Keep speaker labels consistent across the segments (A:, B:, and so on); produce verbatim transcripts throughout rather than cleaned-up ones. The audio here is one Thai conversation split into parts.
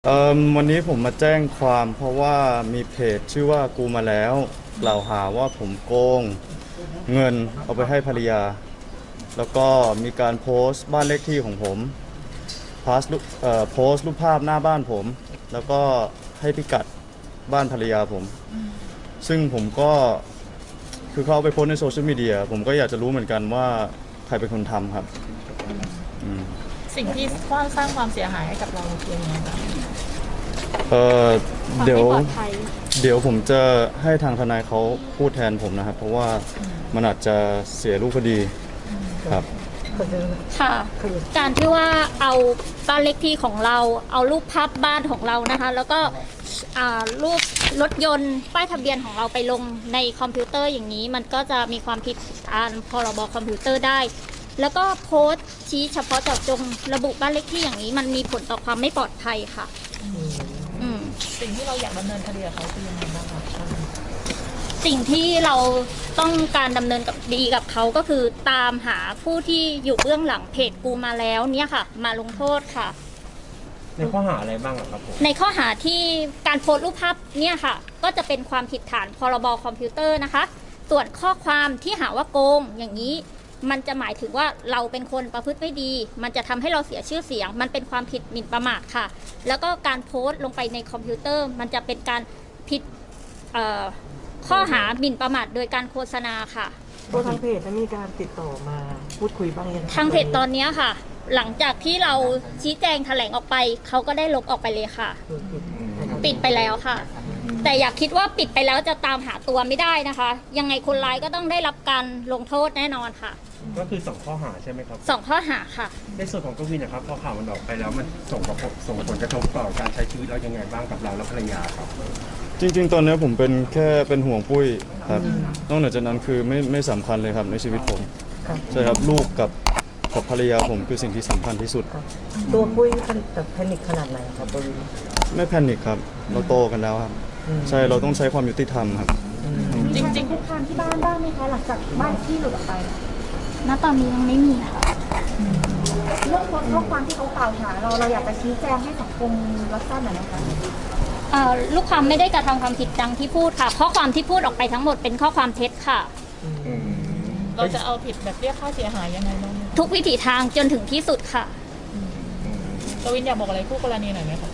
A: เอ่อวันนี้ผมมาแจ้งความเพราะว่ามีเพจชื่อว่ากูมาแล้วกล่าวหาว่าผมโกงเงินเอาไปให้ภรรยาแล้วก็มีการโพสต์บ้านเลขที่ของผมโพสต์รูปเอ่อโพสต์รูปภาพหน้าบ้านผมแล้วก็ให้พิกัดบ้านภรรยาผมซึ่งผมก็คือเขาเอาไปโพสต์ในโซเชียลมีเดียผมก็อยากจะรู้เหมือนกันว่าใครเป็นคนทำครับอืม
B: สิ่งที่สร้างสร้างความเสียหายให้กับเราคือยังไงบ้าง
A: เออเดี๋ยว
C: ความไม่ปลอดภัย
A: เดี๋ยวผมจะให้ทางทนายเขาพูดแทนผมนะครับ เพราะว่ามันอาจจะเสียรูปคดีครับ
C: ค่ะ การที่ว่าเอาบ้านเลขที่ของเราเอารูปภาพบ้านของเรานะคะ แล้วก็อ่ารูปรถยนต์ป้ายทะเบียนของเราไปลงในคอมพิวเตอร์อย่างนี้ มันก็จะมีความผิดตามพรบคอมพิวเตอร์ได้ แล้วก็โพสต์ชี้เฉพาะเจาะจงระบุบ้านเลขที่อย่างนี้ มันมีผลต่อความไม่ปลอดภัยค่ะอืม
B: สิ่งที่เราอยากดำเนินคดีกับเขาคือยังไงบ้างคะ
C: สิ่งที่เราต้องการดำเนินกับดีกับเขาก็คือตามหาผู้ที่อยู่เบื้องหลังเพจกูมาแล้วเนี่ยค่ะ มาลงโทษค่ะ
D: ในข้อหาอะไรบ้างอะครับผม
C: ในข้อหาที่การโพสต์รูปภาพเนี่ยค่ะ ก็จะเป็นความผิดฐานพรบคอมพิวเตอร์นะคะ ส่วนข้อความที่หาว่าโกงอย่างนี้ มันจะหมายถึงว่าเราเป็นคนประพฤติไม่ดี มันจะทำให้เราเสียชื่อเสียง มันเป็นความผิดหมิ่นประมาทค่ะ แล้วก็การโพสต์ลงไปในคอมพิวเตอร์ มันจะเป็นการผิดเอ่อข้อหาหมิ่นประมาทโดยการโฆษณาค่ะ
E: ตัวทางเพจจะมีการติดต่อมาพูดคุยบ้างยัง
C: ทางเพจตอนนี้ค่ะ หลังจากที่เราชี้แจงแถลงออกไปเขาก็ได้ลบออกไปเลยค่ะ ปิดไปแล้วค่ะ แต่อยากคิดว่าปิดไปแล้วจะตามหาตัวไม่ได้นะคะ ยังไงคนร้ายก็ต้องได้รับการลงโทษแน่นอนค่ะ
D: ก็คือสองข้อหาใช่ไหมครับ
C: สองข้อหาค่ะ
D: ในส่วนของกวินนะครับพอข่าวมันออกไปแล้วมันส่งผลส่งผลกระทบต่อการใช้ชีวิตเรายังไงบ้างกับเราและภรรยาครับ
A: จริงๆ ตอนนี้ผมเป็นแค่เป็นห่วงปุ้ยครับนอกเหนือจากนั้นคือไม่ไม่สำคัญเลยครับในชีวิตผมใช่ครับลูกกับกับภรรยาผมคือสิ่งที่สำคัญที่สุด
E: ตัวปุ้ยแบบแพนิคขนาดไหนครับตัววิน
A: ไม่แพนิคครับเราโตกันแล้วครับใช่เราต้องใช้ความยุติธรรมครับ
B: จริง
F: คุกคามที่บ้านบ้างไหมคะหลังจากบ้านที่หลุดออกไป
C: ณ ตอนนี้ยังไม่มีค่ะ
F: เรื่องโพสต์ข้อความที่เขากล่าวหาเราเราอยากจะชี้แจงให้สังคมรับทราบหน่อยนะคะ
C: เอ่อลูกความไม่ได้กระทำความผิดดังที่พูดค่ะ ข้อความที่พูดออกไปทั้งหมดเป็นข้อความเท็จค่ะ
B: ๆ เราจะเอาผิดแบบเรียกค่าเสียหายยังไงบ้าง
C: ทุกวิถีทางจนถึงที่สุดค่ะ
B: กวินอยากบอกอะไรคู่กรณีหน่อยไหมคะ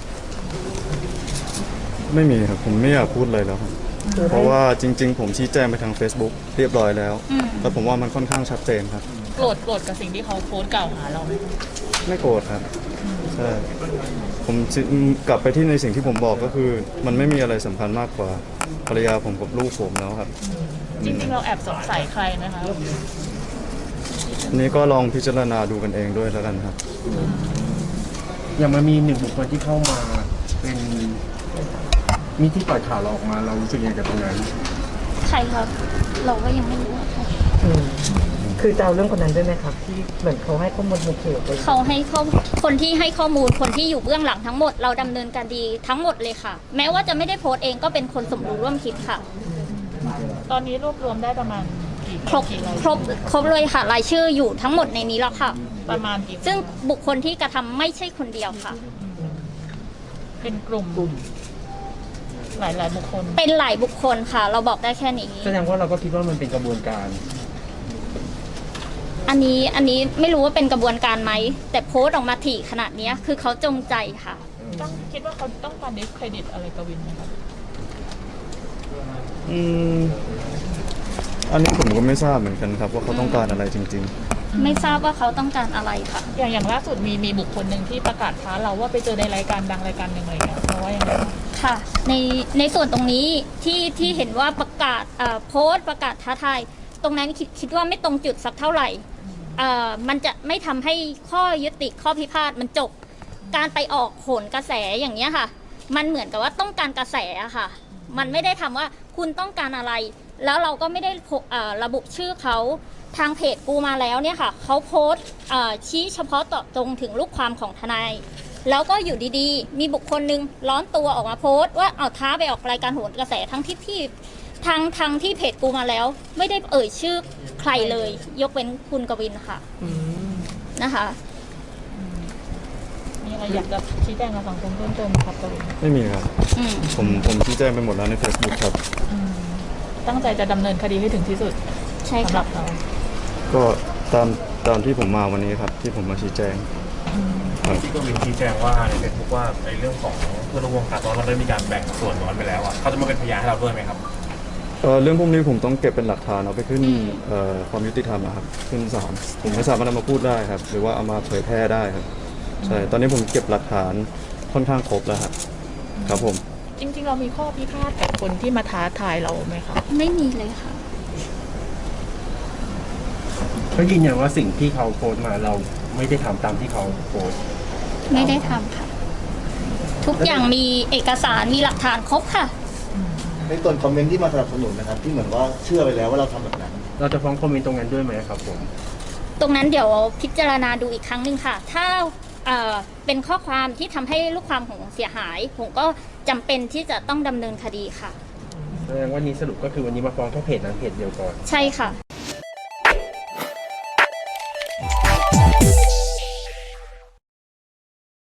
A: ไม่มีครับผมไม่อยากพูดเลยแล้วครับเพราะว่าจริง ๆ ผมชี้แจงไปทาง Facebook เรียบร้อยแล้ว
C: อืม
A: แล้วผมว่ามันค่อนข้างชัดเจนครับ
B: โกรธโกรธกับสิ่งที่เขาโพสต์กล่าวหาเราไหม
A: ไม่โกรธครับใช่ผมสิกลับไปที่ในสิ่งที่ผมบอกก็คือ มันไม่มีอะไรสำคัญมากกว่าภรรยาผมกับลูกผมแล้วครับ
B: จริงๆเราแอบสงสัยใครไหมคะ
A: อันนี้ก็ลองพิจารณาดูกันเองด้วยแล้วกันครับ
D: อย่างมันมีหนึ่งบุคคลที่เข้ามาเป็นมีที่ปล่อยข่าวเราออกมาเรารู้สึกยังไงกับตรงนั้น
C: ใครครับ เราก็ยังไม่รู้ว่าใคร
E: อืมคือจะเอาเรื่องคนนั้นด้วยไหมครับ ที่เหมือนเขาให้ข้อมูลมุกเขียวไป
C: เขาให้ข้อคนที่ให้ข้อมูลคนที่อยู่เบื้องหลังทั้งหมดเราดำเนินการดีทั้งหมดเลยค่ะ แม้ว่าจะไม่ได้โพสต์เองก็เป็นคนสมรู้ร่วมคิดค่ะ
B: ตอนนี้รวบรวมได้ประมาณกี่
C: ครบ
B: กี่ราย
C: ครบครบเลยค่ะรายชื่ออยู่ทั้งหมดในนี้แล้วค่ะ
B: ประมาณกี่
C: ซึ่งบุคคลที่กระทำไม่ใช่คนเดียวค่ะ
B: เป็นกลุ่มหลายหลายๆบุคคล
C: เป็นหลายบุคคลค่ะ เราบอกได้แค่นี้
D: แสดงว่าเราก็คิดว่ามันเป็นกระบวนการ
C: อันนี้อันนี้ไม่รู้ว่าเป็นกระบวนการไหมแต่โพสต์ออกมาถี่ขนาดนี้คือเขาจงใจค่ะ
B: ต้องคิดว่าเขาต้องการดิสเครดิตอะไรกวินไหมคะ
A: อืมอันนี้ผมก็ไม่ทราบเหมือนกันครับว่าเขาต้องการอะไรจริง
C: ไม่ทราบว่าเขาต้องการอะไรค่ะ
B: อย่างอย่างล่าสุดมีมีบุคคลหนึ่งที่ประกาศท้าเราว่าไปเจอในรายการดังรายการหนึ่งอะไรอย่างเงี้ยเพราะว่ายังไงบ้าง
C: ค่ะในในส่วนตรงนี้ที่ที่เห็นว่าประกาศเอ่อโพสต์ประกาศท้าทายตรงนั้นคิดคิดว่าไม่ตรงจุดสักเท่าไหร่เอ่อมันจะไม่ทำให้ข้อยุติข้อพิพาทมันจบการไปออกโหนกระแสอย่างเงี้ยค่ะ มันเหมือนกับว่าต้องการกระแสอะค่ะ มันไม่ได้ทำว่าคุณต้องการอะไร แล้วเราก็ไม่ได้โพเอ่อระบุชื่อเขาทางเพจกูมาแล้วเนี่ยค่ะเขาโพสต์เอ่อชี้เฉพาะเจาะจงถึงลูกความของทนาย แล้วก็อยู่ดีๆ มีบุคคลหนึ่งร้อนตัวออกมาโพสต์ว่าเอาท้าไปออกรายการโหนกระแสทั้งที่ที่ทางทางที่เพจกูมาแล้ว ไม่ได้เอ่ยชื่อใครเลย ยกเว้นคุณกวินค่ะ
E: อืม
C: นะคะ
B: มีอะไรอะไรอยากจะชี้แจงกับสังคมเพิ่มเติมไหมครับตรงนี้
A: ไม่มีครับ
C: อืม
A: ผมผมชี้แจงไปหมดแล้วใน Facebook ครับ
B: อืมตั้งใจจะดำเนินคดีให้ถึงที่สุด
C: ใช่
B: สำห
C: ค่ะ
B: รับเรา
A: ก็ตามตามที่ผมมาวันนี้ครับ ที่ผมมาชี้แจงครับ
G: ที่กวินชี้แจงว่าในเฟซบุ๊กว่าในเรื่องของเพื่อนร่วมวงการตอนเราได้มีการแบ่งส่วนน้อยไปแล้วอ่ะเขาจะมาเป็นพยานให้เราด้วยไหมครับ
A: เอ่อเรื่องพวกนี้ผมต้องเก็บเป็นหลักฐานเอาไปขึ้น
C: อืม
A: เอ่อความยุติธรรมนะครับขึ้นศาลผมไม่สามารถเอามาพูดได้ครับ หรือว่าเอามาเผยแพร่ได้ครับใช่ตอนนี้ผมเก็บหลักฐานค่อนข้างครบแล้วครับครับผม
B: จริง ๆ เรามีข้อพิพาทกับคนที่มาท้าทายเราไหมคะ
C: ไม่มีเลยค่ะ
D: เขายืนยันว่าสิ่งที่เขาโพสต์มาเราไม่ได้ทำตามที่เขาโพสต์
C: ไม่ได้ทำค่ะ ทุกอย่างมีเอกสารมีหลักฐานครบค่ะ
H: ในส่วนคอมเมนต์ที่มาสนับสนุนนะครับ ที่เหมือนว่าเชื่อไปแล้วว่าเราทำแบบนั้น
D: เราจะฟ้องคอมเมนต์ตรงนั้นด้วยไหมครับผม
C: ตรงนั้นเดี๋ยวพิจารณาดูอีกครั้งหนึ่งค่ะ ถ้าเอ่อเป็นข้อความที่ทำให้ลูกความของเสียหาย ผมก็จำเป็นที่จะต้องดำเนินคดีค่ะ
D: แสดงว่านี้สรุปก็คือวันนี้มาฟ้องแค่เพจนั้นเพจเดียวก่อน
C: ใช่ค่ะ